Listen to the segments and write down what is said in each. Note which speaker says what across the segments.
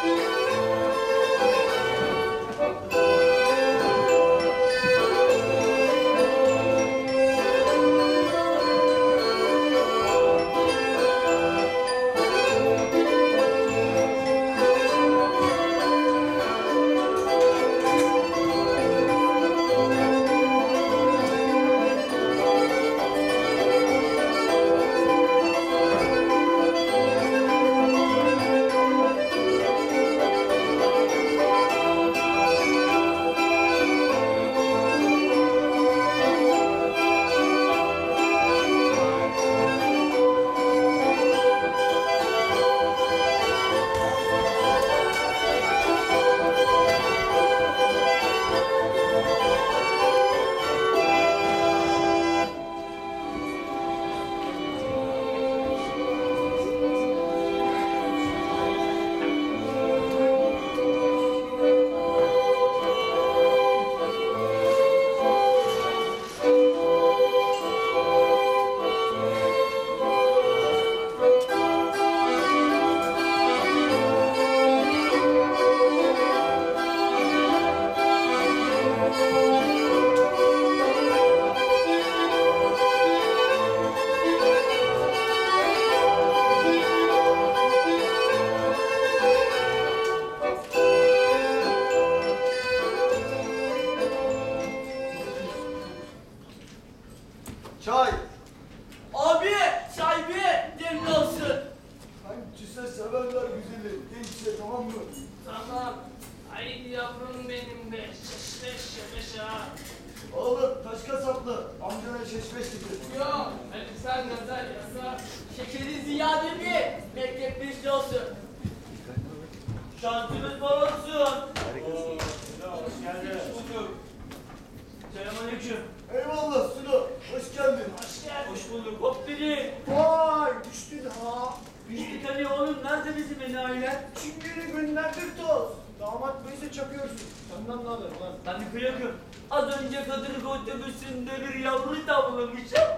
Speaker 1: Çay.
Speaker 2: Abi çay bir demli olsun.
Speaker 1: Hangisi severler güzeli. Gençse tamam mı?
Speaker 2: Tamam. Haydi yavrum benim be. Şeşleş şebeş ha.
Speaker 1: Oğlum taş kasaplı. Amcana şeşmeş getir.
Speaker 2: Yok. Hadi sen nazar yasa. Şekeri ziyade bir. Mektepli olsun. Şansımız bol olsun.
Speaker 1: Hoş geldin.
Speaker 2: Bulduk. Selamünaleyküm.
Speaker 1: Eyvallah Sulu. Hoş geldin.
Speaker 2: Hoş geldin. Hoş bulduk. Hop biri.
Speaker 1: Vay düştün ha.
Speaker 2: Bizlik hani oğlum nerede bizim enayiler?
Speaker 1: Çingene günlerdir toz. Damat beyse çakıyorsun. Senden ne haber lan?
Speaker 2: Ben de kıyakım. Az önce Kadırga otobüsünde bir yavru tavlamışım.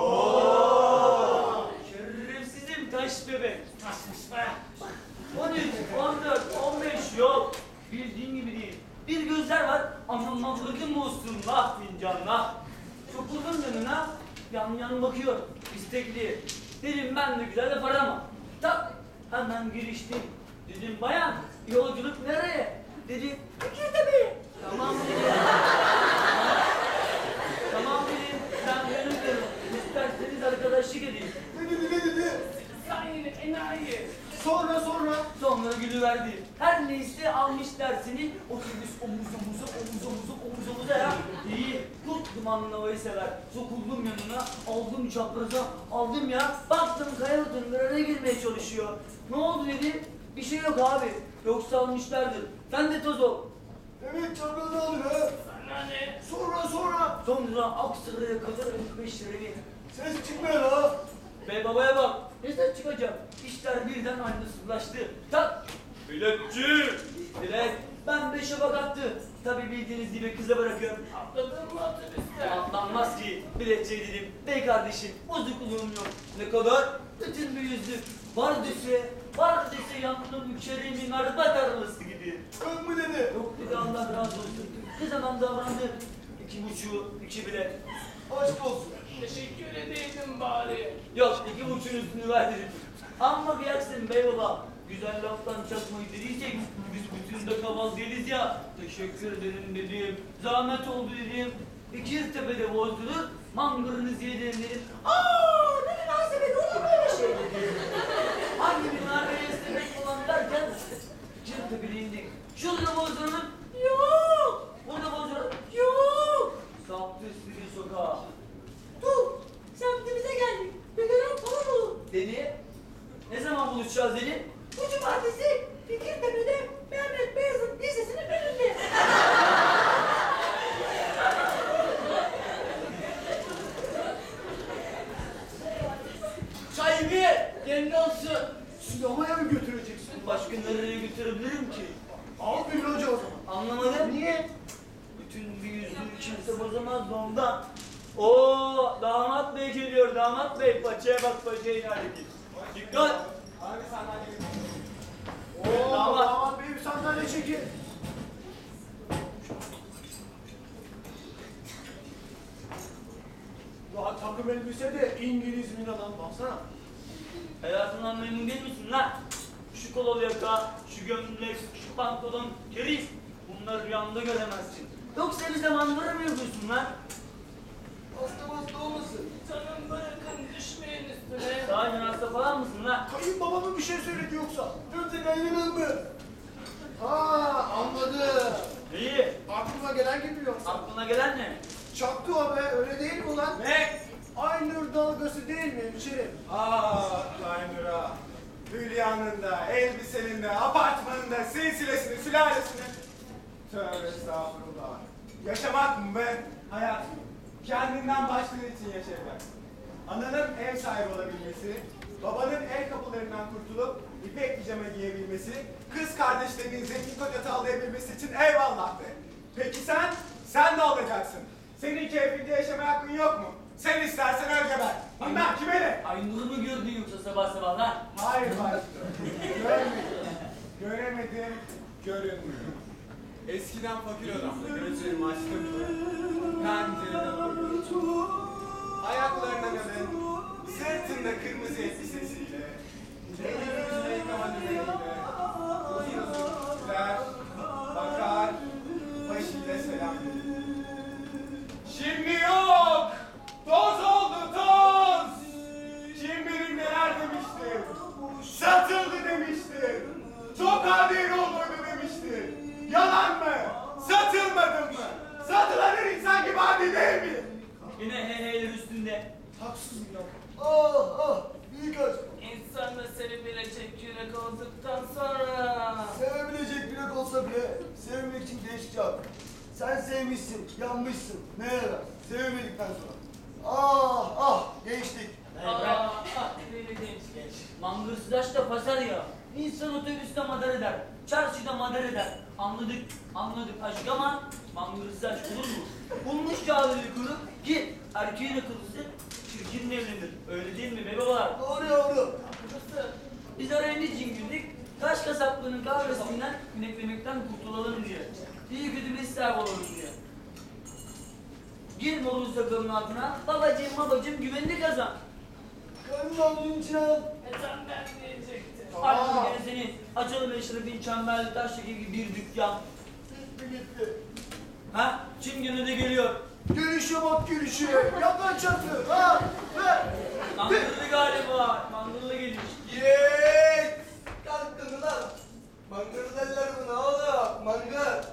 Speaker 2: Şerefsizim taş bebek. Taşmış be. 13, 14, 15 yok. Bildiğin gibi değil. Bir gözler var ama mafradım olsun lah fincanla. Sokuldum yanına, yan yan bakıyor. İstekli. Dedim ben de güzel de parama. Tak, hemen giriştim. Dedim bayan, yolculuk nereye? Dedi, Fikirtepe'ye. Tamam dedim. Tamam dedim, ben yanımdayım. İsterseniz arkadaşlık edeyim.
Speaker 1: Ne dedi ne dedi?
Speaker 2: Sen yine enayi.
Speaker 1: Sonra.
Speaker 2: Sonra gülüverdi. Her neyse almış dersini otobüs omuz omuza ya. İyi. Kurt dumanlı havayı sever. Sokuldum yanına, aldım çapraza, aldım ya. Baktım kayalıkın birine girmeye çalışıyor. Ne oldu dedi. Bir şey yok abi. Yoksa almışlardır. Sen de toz ol.
Speaker 1: Evet çarpıda alır ha.
Speaker 2: Sana ne?
Speaker 1: Sonra.
Speaker 2: Sonra Aksaray'a kadar 45 lirayı.
Speaker 1: Ses çıkmıyor ha.
Speaker 2: Bey babaya bak. Ne sen çıkacağım? İşler birden aynısızlaştı. Tak! Biletçi! Bilet. Ben 5'e bak attı. Tabii bildiğiniz gibi kıza bırakıyorum. Atladın mı otobüste? Atlanmaz ki. Biletçi dedim. Bey kardeşim bozukluğum yok. Ne kadar? Bütün bir yüzlük. Var dese yandım mükşerimin araba tarlası gibi.
Speaker 1: Ön mü dedi?
Speaker 2: Yok dedi Allah razı olsun. Ne zaman davrandı? 2,5, 2 bilet.
Speaker 1: Aşk olsun.
Speaker 2: Teşekkür edeydim bari. Yok 2,5'un üstünü verdim. Amma kıyaksın bey baba. Güzel laftan çakmayı dediysek biz bütün de kaval değiliz ya. Teşekkür ederim dedim. Zahmet oldu dedim. İkiztepe'de bozdurur, mangırınızı yedim dedim. Aaa ne münasebet olur böyle şey dedim. Hangi bir nargile istemek falan derken İkiztepe'de indik. Şurada bozduralım. Yok. Burada bozduralım. Yok. Saptı üstü sokağa. Dur, semtimize geldik. Bir gören falan olur. Dedi. Ne zaman buluşacağız dedi. Bu cumartesi Fikirtepe'de Mehmet Beyazıt Lisesi'nin önünde. Çay bir, demli olsun.
Speaker 1: Sinemaya mı götüreceksin?
Speaker 2: Başka nereye götürebilirim ki?
Speaker 1: Al bir hoca o zaman.
Speaker 2: Anlamadım. Niye? Bütün bir yüzlüğü kimse bozamaz da ondan. Oo, damat bey geliyor damat bey. Paçaya bak paçaya inerdik. Dikkat.
Speaker 1: Oo,
Speaker 2: Damat.
Speaker 1: damat bey peki. Daha takım elbise de İngiliz Mina'dan baksana.
Speaker 2: Hayatından memnun değil misin lan? Şu kolalı yaka, şu gömlek, şu pantolon, keriz. Bunları rüyanda göremezsin. Yoksa bir zamanları mı yapıyorsun lan?
Speaker 1: Hasta olmasın.
Speaker 2: Canım bırakın düşmeyin üstüne. Sahiden hasta falan mısın lan?
Speaker 1: Kayınbaba mı bir şey söyledi yoksa? Yoksa kaynanam mı? Ha anladım.
Speaker 2: İyi.
Speaker 1: Aklıma gelen gibi yoksa.
Speaker 2: Aklına gelen ne?
Speaker 1: Çaktı o be, öyle değil mi ulan?
Speaker 3: Ne?
Speaker 1: Aynur dalgası değil mi hemşerim?
Speaker 3: Aynur'a. Hülya'nın da, elbisenin de, apartmanın da, silsilesini, sülalesini. Tövbe estağfurullah. Yaşamak mı be? Hayat mı? Kendinden başkaları için yaşayacaksın. Ananın ev sahibi olabilmesi, babanın el kapılarından kurtulup ipek pijama giyebilmesi, kız kardeşlerinin zengin koca tavlayabilmesi için eyvallah de. Peki sen? Sen ne olacaksın? Senin keyfinde yaşamaya hakkın yok mu? Sen istersen öl geber. Bilmem kime ne?
Speaker 2: Aynur'u mu gördün yoksa sabah sabah lan?
Speaker 3: Hayır başkanım. Görmedim. Göremedim, görünmüyor. Eskiden fakir adamdı, gözlerimi açtım. Pencereden bakıyordum. Ayaklarına kadın, sırtında kırmızı elbisesiyle, elini yüzüne yıkama düzeniyle, uzun uzun güler, bakar, başıyla selam verir. Şimdi yok! Toz oldu toz! Kim bilir neler demiştir? Satıldı demiştir. Çok adil olurdu demiştir. Yalan mı? Satılmadın mı? Satılan her insan gibi adil değil mi?
Speaker 2: Yine heyheyler üstünde.
Speaker 1: Haksız mı ya? Ah büyük aşk.
Speaker 2: İnsan da seni bilecek yürek olduktan sonra.
Speaker 1: Sevebilecek biri olsa bile sevmek için geç çağır. Sen sevmişsin, yanmışsın. Ne yarar? Sevmedikten sonra. Gençlik.
Speaker 2: Deli genç. Mangırsızlaş da pasar ya. İnsan otobüste madar eder. Çarşıda madar eder. Anladık aşk ama mangırsızlaş olur mu? Bulmuş kağıdını kurup ki erkeğin akıllısı çirkinle evlenir. Öyle değil mi be babalar?
Speaker 1: Doğru yavrum.
Speaker 2: Biz araya niçin girdik? Taş kasaplığının kahvesinden ineklemekten kurtulalım diye. İyi kötü bir ister olalım diye. Gir morun sakalının altına, babacığım güvenini kazan.
Speaker 1: Karnımın içine al.
Speaker 2: Sen ben diyecektim.
Speaker 1: Tamam.
Speaker 2: Artık gene seni açalım Eşref'in çemberli taştaki gibi bir dükkan.
Speaker 1: Gitti.
Speaker 2: Ha? Çingene de geliyor.
Speaker 1: Gülüşe bak gülüşe. Yakan çatı. Ha? Ver.
Speaker 2: Mangırlı galiba. Mangırlı geliş.
Speaker 1: Yeeeet! Kalkın ulan! Mangır derler buna oğlum, mangır!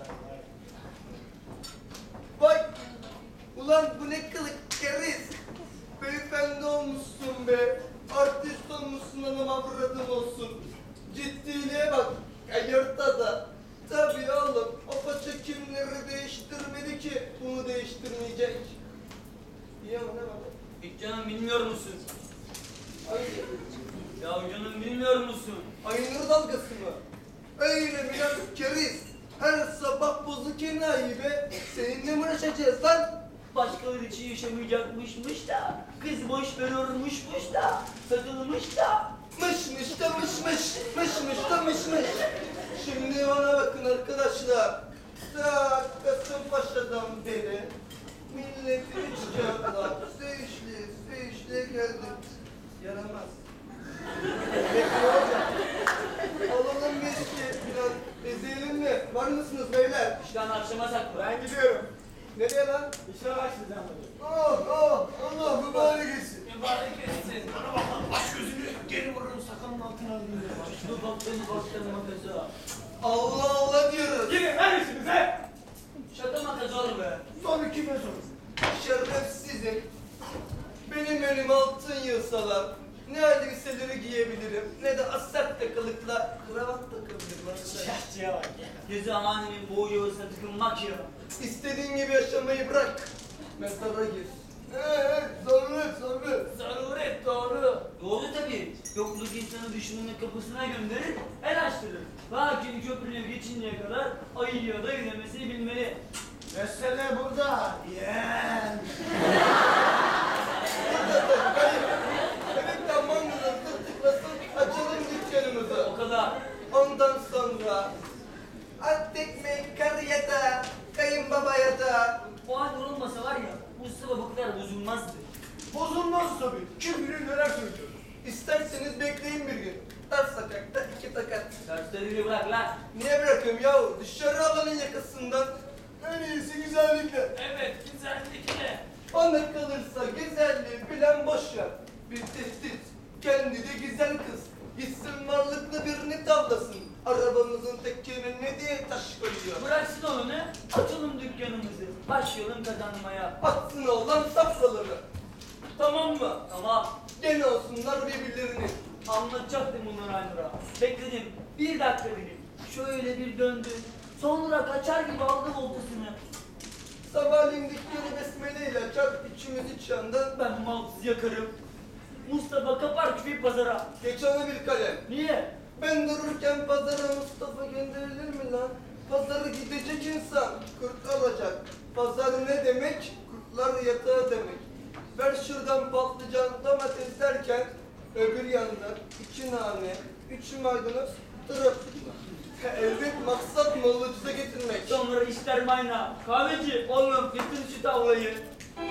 Speaker 1: Bak! Ulan bu ne kılık keriz! Beyefendi olmuşsun be! Artist olmuşsun anam avradım olsun! Ciddiliğe bak! Ayırtta da! Tabii oğlum, o paça kimleri değiştirmedi ki bunu değiştirmeyecek! İyi ama ne var?
Speaker 2: Hiç canım bilmiyor musun?
Speaker 1: Ay,
Speaker 2: Ya canım bilmiyor musun?
Speaker 1: Aynur dalgası mı? Öyle biraz keriz. Her sabah bozuk enayi be. Seninle mi uğraşacağız lan?
Speaker 2: Başkaları için yaşamayacakmışmış da, kız boş veriyormuşmuş da, satılmış da.
Speaker 1: Mışmış da mışmış da mışmış. Şimdi bana bakın arkadaşlar. Ta Kasımpaşa'dan beri milletin içeceğimler. Sevişli geldim. Yaramaz. Alalım meşki biraz. Ezelim mi? Var mısınız beyler?
Speaker 2: İşten akşama saklı.
Speaker 3: Ben gidiyorum.
Speaker 1: Nereye lan?
Speaker 3: İşe başlayacağım bugün.
Speaker 1: Allah mübarek etsin.
Speaker 2: Mübarek etsin.
Speaker 1: Bana bak lan aç gözünü geri vurun sakalın altına alayım.
Speaker 2: Şunu baktığını baktığını makası.
Speaker 1: Allah Allah diyoruz.
Speaker 3: Gidin lan işinize.
Speaker 2: Şaka makası olur be.
Speaker 1: Sonra kime sorun? Şerefsizim. Benim önüme altın yığsalar ne elbiseleri giyebilirim ne de asert kılıkla kravat takabilirim arkadaşlar.
Speaker 2: Şahçıya bak ya. Gözü amaninin boğu yuvasına tıkılmak ya.
Speaker 1: İstediğin gibi yaşamayı bırak. Mezara gir. Zaruret.
Speaker 2: Zaruret doğru. Doğru tabii. Yokluk insanı düşmanın kapısına gönderir, el açtırır. Lakin köprüyü geçinceye kadar ayıya da gidemesini bilmeli.
Speaker 1: Mesele burada. Yeğen. Evet tamam mıdır? Tıklasın açalım dükkanımızı.
Speaker 2: O kadar.
Speaker 1: Ondan sonra At tekmeyi karı yatağa, kayınbaba yatağa.
Speaker 2: O hal olmasa var ya Mustafa bu kadar bozulmazdı.
Speaker 3: Bozulmaz tabii. Kim bilir neler söylüyor.
Speaker 1: İsterseniz bekleyin bir gün. Dar sokakta 2 tokat.
Speaker 2: Dersleri bırak lan.
Speaker 1: Niye bırakıyorum yahu? Dışarı alanın yakasından. En iyisi güzellikle.
Speaker 2: Evet güzellik ne?
Speaker 1: Bana kalırsa güzelliği bilen boş ver. Bir tehdit. Kendi de güzel kız. Gitsin varlıklı birini tavlasın. Arabamızın tekerine diye taş koyuyor.
Speaker 2: Bıraksın onu ne? Açalım dükkanımızı. Başlayalım kazanmaya.
Speaker 1: Atsın oğlan safraları. Tamam mı?
Speaker 2: Tamam.
Speaker 1: Gene olsunlar birbirlerini.
Speaker 2: Anlatacaktım bunları Aynur'a. Bekledim. Bir dakika dedim. Şöyle bir döndü. Sonra kaçar gibi aldı voltasını.
Speaker 1: Sabahleyin dükkanı besmeleyle açar, içimiz iç yandan.
Speaker 2: Ben malsız yakarım. Mustafa kapar küfeyi pazara.
Speaker 1: Geç ona bir kalem.
Speaker 2: Niye?
Speaker 1: Ben dururken pazara Mustafa gönderilir mi lan? Pazarı gidecek insan, kurt alacak. Pazar ne demek? Kurtlar yatağı demek. Ver şuradan patlıcan, domates derken öbür yanda 2 nane, 3 maydanoz, trafik. Elbet maksat malı ucuza getirmek.
Speaker 2: Sonra işler mayna. Kahveci oğlum getir şu tavlayı.